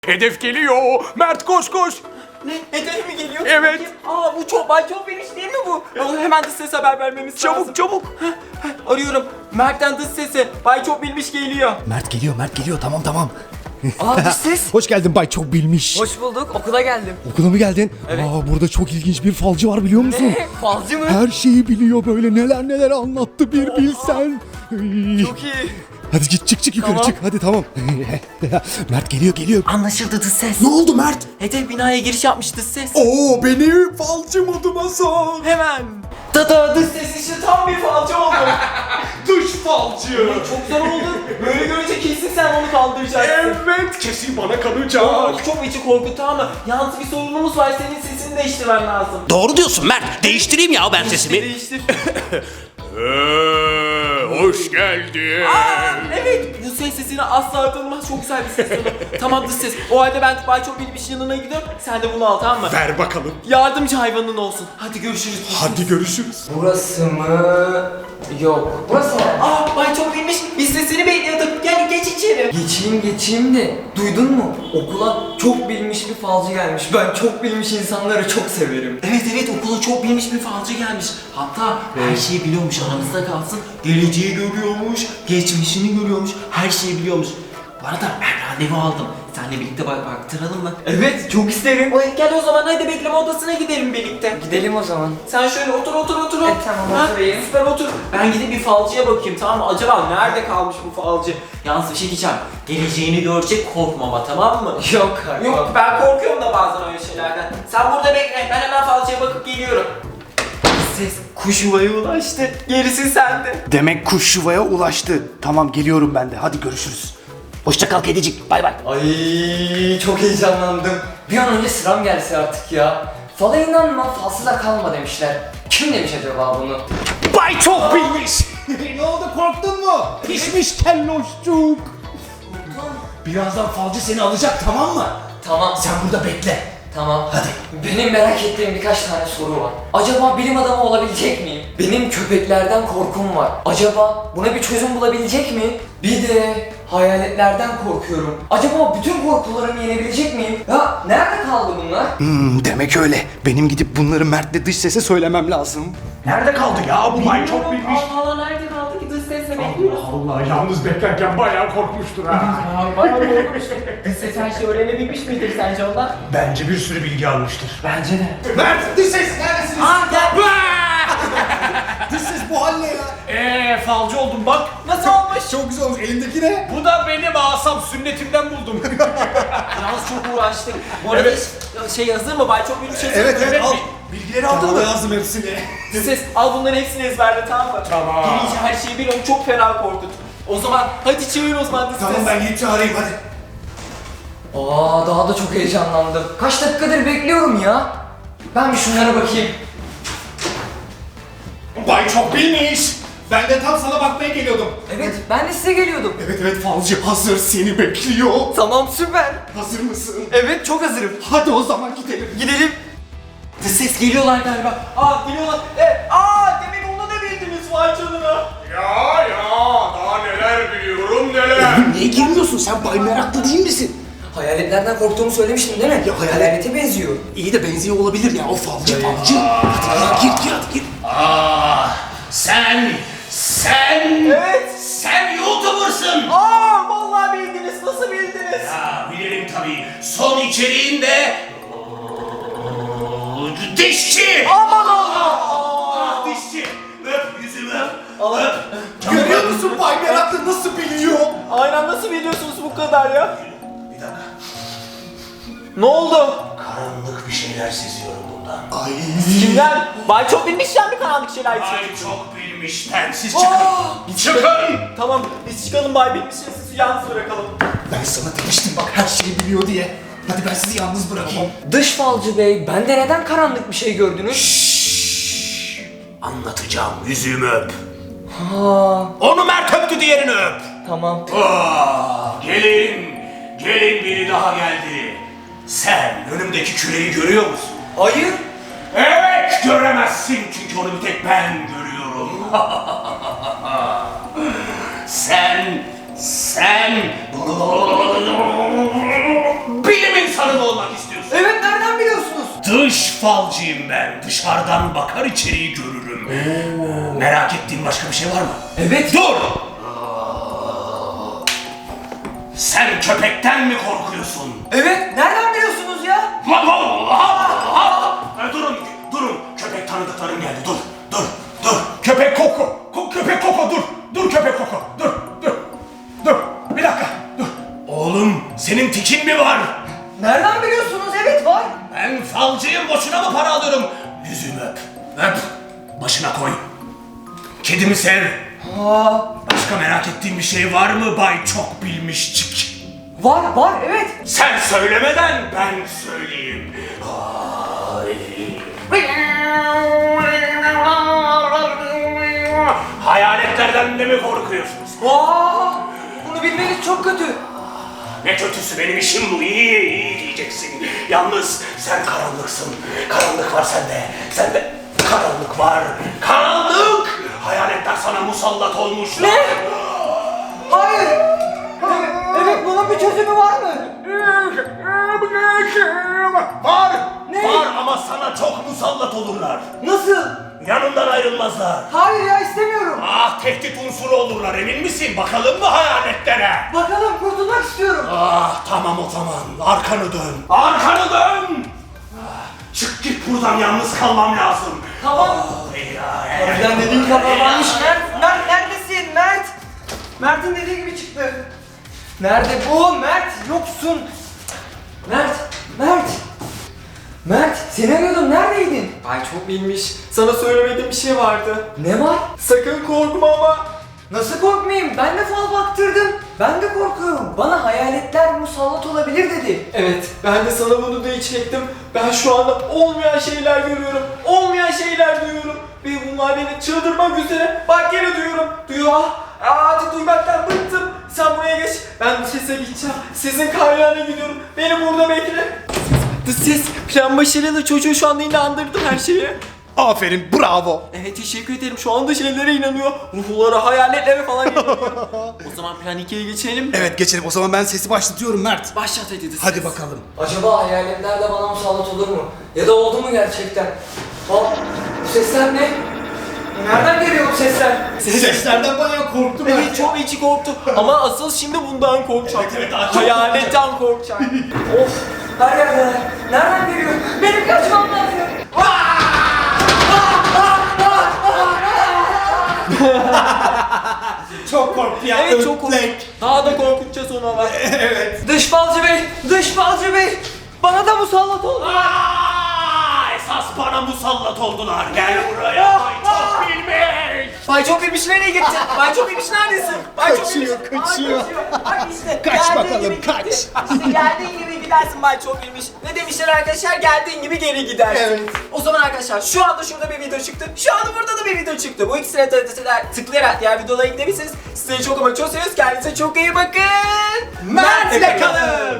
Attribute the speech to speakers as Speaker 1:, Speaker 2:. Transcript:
Speaker 1: Hedef geliyor. Mert koş koş.
Speaker 2: Ne? Hedef mi geliyor?
Speaker 1: Evet.
Speaker 2: Bakayım. Aa bu çok Bay Çok Bilmiş değil mi bu? Hemen dış ses haber vermemiz lazım.
Speaker 1: Çabuk çabuk.
Speaker 2: Arıyorum. Mert'ten dış sesi. Bay Çok Bilmiş geliyor.
Speaker 3: Mert geliyor tamam.
Speaker 4: Aa dış ses.
Speaker 3: Hoş geldin Bay Çok Bilmiş.
Speaker 4: Hoş bulduk. Okula geldim.
Speaker 3: Okula mı geldin?
Speaker 2: Evet.
Speaker 3: Burada çok ilginç bir falcı var biliyor musun?
Speaker 4: Falcı mı?
Speaker 3: Her şeyi biliyor böyle neler anlattı bir bilsen.
Speaker 4: Çok iyi.
Speaker 3: Hadi git çık yukarı
Speaker 4: Tamam.
Speaker 3: çık hadi tamam. Mert geliyor.
Speaker 2: Anlaşıldı dış ses.
Speaker 3: Ne oldu Mert?
Speaker 2: Hedef binaya giriş yapmış dış ses.
Speaker 3: Oo beni falcı moduma sor.
Speaker 2: Hemen. Tada dış ses işte tam bir falcı oldu.
Speaker 1: Dış falcı.
Speaker 2: Çok zor oldu. Böyle görünce kesin sen onu kaldıracaksın.
Speaker 1: Evet kesin bana kalacak.
Speaker 2: Çok içi korkuttu ama yalnız bir sorunumuz var. Senin sesini değiştirmen lazım.
Speaker 5: Doğru diyorsun Mert. Değiştireyim ya ben sesimi.
Speaker 2: Değiştir.
Speaker 1: Hoş geldin.
Speaker 2: Evet, bu ses sesini asla tanımaz. Çok güzel bir ses tonu. Tamam dış ses. O halde ben Bay Çok Bilmiş yanına gidiyorum. Sen de bunu al, tamam mı?
Speaker 1: Ver bakalım.
Speaker 2: Yardımcı hayvanın olsun. Hadi görüşürüz.
Speaker 1: Hadi görüşürüz.
Speaker 4: Burası mı? Yok. Burası mı?
Speaker 2: Bay Çok Bilmiş, biz sesini bekliyorduk. Gel geç içeri.
Speaker 4: Geçeyim de duydun mu? Okula çok bilmiş bir falcı gelmiş. Ben çok bilmiş insanları çok severim.
Speaker 2: Evet, okula çok bilmiş bir falcı gelmiş. Hatta her şeyi biliyormuş, aramızda kalsın. Geleceği görüyormuş, geçmişini görüyormuş, her şeyi biliyormuş. Bu arada ben randevu aldım. Seninle birlikte baktıralım mı?
Speaker 4: Evet çok isterim.
Speaker 2: Gel o zaman, hadi bekleme odasına gidelim birlikte.
Speaker 4: Gidelim o zaman.
Speaker 2: Sen şöyle otur.
Speaker 4: Tamam, oturayım.
Speaker 2: Süper otur. Ben gidip bir falcıya bakayım, tamam mı? Acaba nerede kalmış bu falcı? Yalnız bir şey diyeceğim. Geleceğini görecek, korkmama, tamam mı?
Speaker 4: Yok kanka.
Speaker 2: Yok, ben korkuyorum da bazen öyle şeylerden. Sen burada bekle, ben hemen falcıya bakıp geliyorum. Ses kuş yuvaya ulaştı. Gerisi sende.
Speaker 3: Demek kuş yuvaya ulaştı. Tamam geliyorum ben de hadi görüşürüz.
Speaker 5: Hoşça kal kedicik. Bay bay.
Speaker 4: Ay çok heyecanlandım. Bir an önce sıram gelse artık ya. Fala inanma, falsıza kalma demişler. Kim demiş acaba bunu?
Speaker 3: Bay Çok Bilmiş. Ne oldu korktun mu? Pişmiş kelloşçuk. Birazdan falcı seni alacak tamam mı?
Speaker 4: Tamam.
Speaker 3: Sen burada bekle.
Speaker 4: Tamam. Hadi. Benim merak ettiğim birkaç tane soru var. Acaba bilim adamı olabilecek miyim? Benim köpeklerden korkum var. Acaba buna bir çözüm bulabilecek mi? Bir de hayaletlerden korkuyorum. Acaba bütün korkularımı yenebilecek miyim? Ya nerede kaldı bunlar?
Speaker 3: Demek öyle. Benim gidip bunları Mert'le dış sese söylemem lazım.
Speaker 1: Nerede kaldı ya bu Bay Çok Bilmiş?
Speaker 2: Allah nerede kaldı ki dış sesle bekliyoruz.
Speaker 1: Allah yalnız beklerken bayağı korkmuştur ha.
Speaker 2: Bayağı korkmuştum. Dış ses her şeyi öğrenebilmiş midir sence ondan?
Speaker 1: Bence bir sürü bilgi almıştır.
Speaker 2: Bence de.
Speaker 1: Mert dış ses neredesiniz?
Speaker 2: Gel.
Speaker 3: Dış ses bu halle ya.
Speaker 1: Falcı oldum bak.
Speaker 2: Nasıl olmuş?
Speaker 3: Çok güzel olmuş. Elindeki ne?
Speaker 1: Bu da benim asam sünnetimden buldum.
Speaker 2: Yalnız çok uğraştık. Bu arada şey hazır mı? Bay Çok Bilmiş hazır mı?
Speaker 3: Evet al.
Speaker 1: Bilgileri aldın mı?
Speaker 3: yazdım hepsini.
Speaker 2: Ses al bunların hepsini ezberle, tamam mı?
Speaker 1: Tamam.
Speaker 2: Gelince her şeyi bil, onu çok fena korkut. O zaman hadi çevir o zaman dış ses.
Speaker 3: gidip çağırayım hadi.
Speaker 4: Daha da çok heyecanlandım. Kaç dakikadır bekliyorum ya. Ben bir şunlara bakayım.
Speaker 1: Bay Çok Bilmiş. Ben de tam sana bakmaya geliyordum.
Speaker 4: Evet ben de size geliyordum.
Speaker 3: Evet falcı hazır seni bekliyor.
Speaker 4: Tamam süper.
Speaker 3: Hazır mısın?
Speaker 4: Evet çok hazırım.
Speaker 3: Hadi o zaman gidelim.
Speaker 4: Gidelim.
Speaker 2: Dış ses geliyorlar galiba. Geliyorlar. Demek onu da bildiniz, vay canına.
Speaker 1: Ya daha neler biliyorum neler.
Speaker 5: Niye girmiyorsun sen? Bay meraklı değil misin?
Speaker 4: Hayaletlerden korktuğumu söylemiştim değil mi?
Speaker 5: Ya
Speaker 4: Hayalete benziyor.
Speaker 5: İyi de benziyor olabilir ya. O falcı. Hadi gir. Sen.
Speaker 2: Evet.
Speaker 5: Sen YouTuber'sın.
Speaker 2: Vallahi bildiniz. Nasıl bildiniz?
Speaker 5: Bilirim tabii. Son içeriğinde dişçi.
Speaker 2: Aman Allah.
Speaker 5: Dişçi. Öp yüzümü. Öp.
Speaker 3: Görüyor musun Bay Meraklı nasıl biliyor?
Speaker 2: Aynen, nasıl biliyorsunuz bu kadar ya?
Speaker 5: Bir dakika.
Speaker 2: Ne oldu?
Speaker 5: Karanlık bir şeyler seziyorum bundan.
Speaker 3: Ay.
Speaker 2: Kimden? Bay Çok Bilmiş'ten bir karanlık şeyler için.
Speaker 5: Ay çok bilmişten. Siz çıkın. Çıkın.
Speaker 2: Tamam, biz çıkalım Bay Bilmiş'le sizi yalnız bırakalım.
Speaker 3: Ben sana demiştim bak her şeyi biliyor diye. Hadi ben sizi yalnız bırakayım.
Speaker 4: Dış falcı bey, bende neden karanlık bir şey gördünüz?
Speaker 5: Anlatacağım. Yüzümü öp.
Speaker 4: Ha,
Speaker 5: Onu Mert öptü, diğerini öp.
Speaker 4: tamam.
Speaker 5: Gelin biri daha geldi. Sen önümdeki küreyi görüyor musun?
Speaker 4: Hayır.
Speaker 5: Evet, göremezsin çünkü onu bir tek ben görüyorum. sen bir olmak istiyorsun?
Speaker 4: Evet, nereden biliyorsunuz?
Speaker 5: Dış falcıyım ben. Dışarıdan bakar içeriği görürüm. Merak ettiğin başka bir şey var mı?
Speaker 4: Evet.
Speaker 5: Dur! Sen köpekten mi korkuyorsun?
Speaker 4: Evet, nereden biliyorsunuz ya?
Speaker 5: Durun. Köpek tanıdıklarım geldi. Dur. Köpek Koko. Köpek Koko dur. Dur köpek Koko. Dur. Bir dakika. Dur. Oğlum senin tikin mi var?
Speaker 4: Nereden biliyorsunuz? Evet, var.
Speaker 5: Ben falcıyım, boşuna mı para alıyorum? Yüzümü öp. Başına koy. Kedimi sev. Başka merak ettiğin bir şey var mı Bay Çok Bilmişçik?
Speaker 4: Var, evet.
Speaker 5: Sen söylemeden ben söyleyeyim. Hayaletlerden de mi korkuyorsunuz?
Speaker 4: Bunu bilmeniz çok kötü.
Speaker 5: Ne kötüsü, benim işim bu. İyi diyeceksin. Yalnız sen karanlıksın. Karanlık var sende. Sende karanlık var. Karanlık! Hayaletler sana musallat olmuşlar.
Speaker 4: Ne? Hayır. Evet, bunun bir çözümü var mı?
Speaker 5: Var!
Speaker 4: Ne?
Speaker 5: Var ama sana çok musallat olurlar.
Speaker 4: Nasıl?
Speaker 5: Yanından ayrılmazlar.
Speaker 4: Hayır ya, istemiyorum.
Speaker 5: Tehdit unsuru olurlar, emin misin? Bakalım mı hayaletlere?
Speaker 4: Bakalım, kurtulmak istiyorum.
Speaker 5: Tamam o zaman. Arkanı dön. Arkanı dön! Çık git buradan, yalnız kalmam lazım.
Speaker 4: Tamam. Harbiden dediğin kadar varmış. Mert neredesin? Mert'in dediği gibi çıktı. Nerede bu? Mert, yoksun. Mert, seni arıyordum. Neredeydin?
Speaker 2: Ay çok bilmiş. Sana söylemediğim bir şey vardı.
Speaker 4: Ne var?
Speaker 2: Sakın korkma ama.
Speaker 4: Nasıl korkmayayım? Ben de fal baktırdım. Ben de korkuyorum. Bana hayaletler musallat olabilir dedi.
Speaker 2: Evet, ben de sana bunu diyecektim. Ben şu anda olmayan şeyler görüyorum. Olmayan şeyler duyuyorum. Ve bunlar beni çıldırmak üzere. Bak gene duyuyor. Artık duymaktan bıktım. Sen buraya geç. Ben bu sese gideceğim. Sizin kaynağına gidiyorum. Beni burada bekle. Ses. Plan başarılı. Çocuğu şu anda inandırdım her şeye.
Speaker 3: Aferin, bravo.
Speaker 2: Evet, teşekkür ederim. Şu anda şeylere inanıyor. Ruhlara, hayaletlere falan inanıyor. O zaman plan 2'ye geçelim mi?
Speaker 3: Evet, geçelim. O zaman ben sesi başlatıyorum Mert.
Speaker 2: Başlat hadi.
Speaker 3: Hadi bakalım.
Speaker 4: Acaba hayaletler de bana musallat olur mu? Ya da oldu mu gerçekten? Bu sesler ne? Nereden geliyor bu sesler?
Speaker 3: Seslerden bayağı korktum
Speaker 2: Evet, çok içi korktu. Ama asıl şimdi bundan korkacak.
Speaker 5: Evet, daha çok
Speaker 2: Hayaletten korkacak.
Speaker 4: Of! Her yerdeler. Nereden geliyor? Benim kaçmam lazım.
Speaker 3: Çok korktu ya.
Speaker 2: Evet, çok korktu. Daha da korkutacağız onu ama.
Speaker 4: Dış falcı bey! Bana da musallat oldu.
Speaker 5: Esas bana musallat oldular. Gel buraya Bay Çok Bilmiş.
Speaker 2: Bay Çok Bilmiş nereye gitti? Bay Çok Bilmiş neredesin? Bay Çok Bilmiş.
Speaker 3: Kaçıyor.
Speaker 2: Bak işte.
Speaker 3: Kaç
Speaker 2: geldiğin
Speaker 3: bakalım,
Speaker 2: gibi
Speaker 3: kaç.
Speaker 2: gitti. İşte geldiğin gibi gidersin Bay Çok Bilmiş. Ne demişler arkadaşlar? Geldiğin gibi geri gidersin.
Speaker 3: Evet.
Speaker 2: O zaman arkadaşlar şu anda şurada bir video çıktı. Şu anda burada da bir video çıktı. Bu ikisine tıklayarak diğer videolara gidebilirsiniz. Sizleri çok ama çok seviyoruz. Kendinize çok iyi bakın. Mert ile kalın.